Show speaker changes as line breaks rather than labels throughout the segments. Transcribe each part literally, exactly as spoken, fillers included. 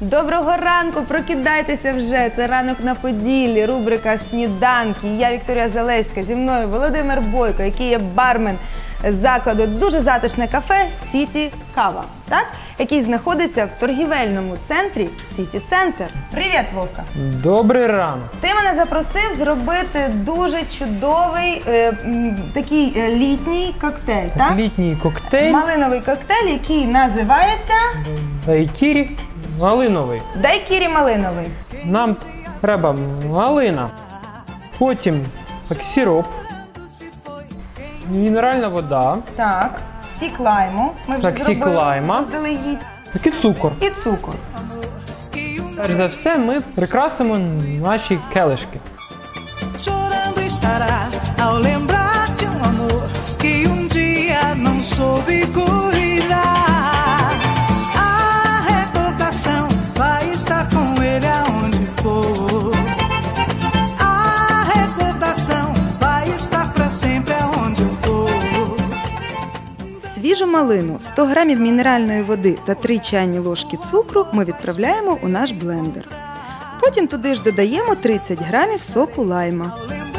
Доброго ранку, прокидайтеся вже. Це «Ранок на Поділлі», рубрика «Сніданки». Я Вікторія Залеська, зі мною Володимир Бойко, який є бармен закладу дуже затишне кафе «Сіті Кава», так? Який знаходиться в торгівельному центрі «Сіті Центр». Привіт, Вовка!
Добрий ранок!
Ти мене запросив зробити дуже чудовий е, такий е, літній коктейль, так?
Літній коктейль.
Малиновий коктейль, який називається...
Дайкірі малиновий.
Дайкірі малиновий.
Нам треба малина, потім так, сироп, мінеральна вода.
Так, сік лайму. Ми вже
Так, сік лайма.
заздалегідь.
Так і цукор.
І цукор.
Перш за все ми прикрасимо наші келишки.
Chorando estará ao lembrar de um amor que um dia não soube cuidar. A recordação vai estar com ele aonde for. A recordação vai estar pra sempre aonde eu for.
Свіжу малину, сто грамів мінеральної води та три чайні ложки цукру ми відправляємо у наш блендер. Потім туди ж додаємо тридцять грамів соку лайма.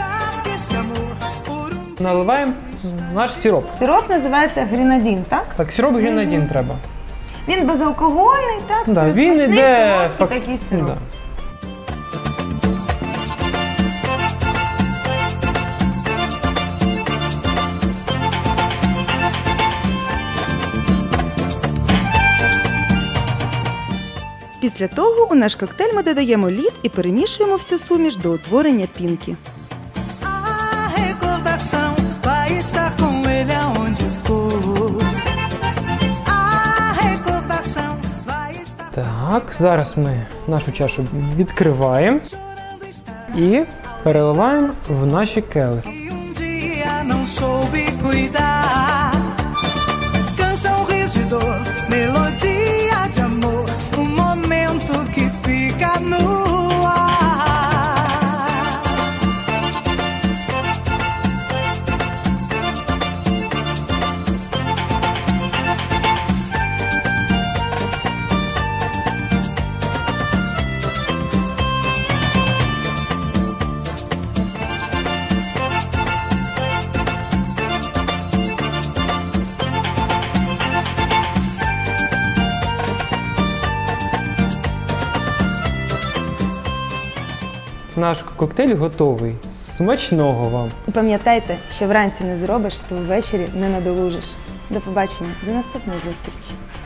Наливаємо наш сироп.
Сироп називається гренадін, так?
Так, сироп гренадін треба.
Він безалкогольний, так?
Да,
Це
він
смачний,
іде
солодкий
фак-
такий сироп.
Да.
Після того у наш коктейль ми додаємо лід і перемішуємо всю суміш до утворення пінки.
A recordação vai estar com ele aonde for. A recordação vai estar.
Так, зараз ми нашу чашу відкриваємо і переливаємо в наші келихи.
Que um dia não soube cuidar. Canção, riso e dor, melodia de amor, um momento que fica no ar.
Наш коктейль готовий. Смачного вам!
І пам'ятайте, що вранці не зробиш, то ввечері не надолужиш. До побачення, до наступної зустрічі.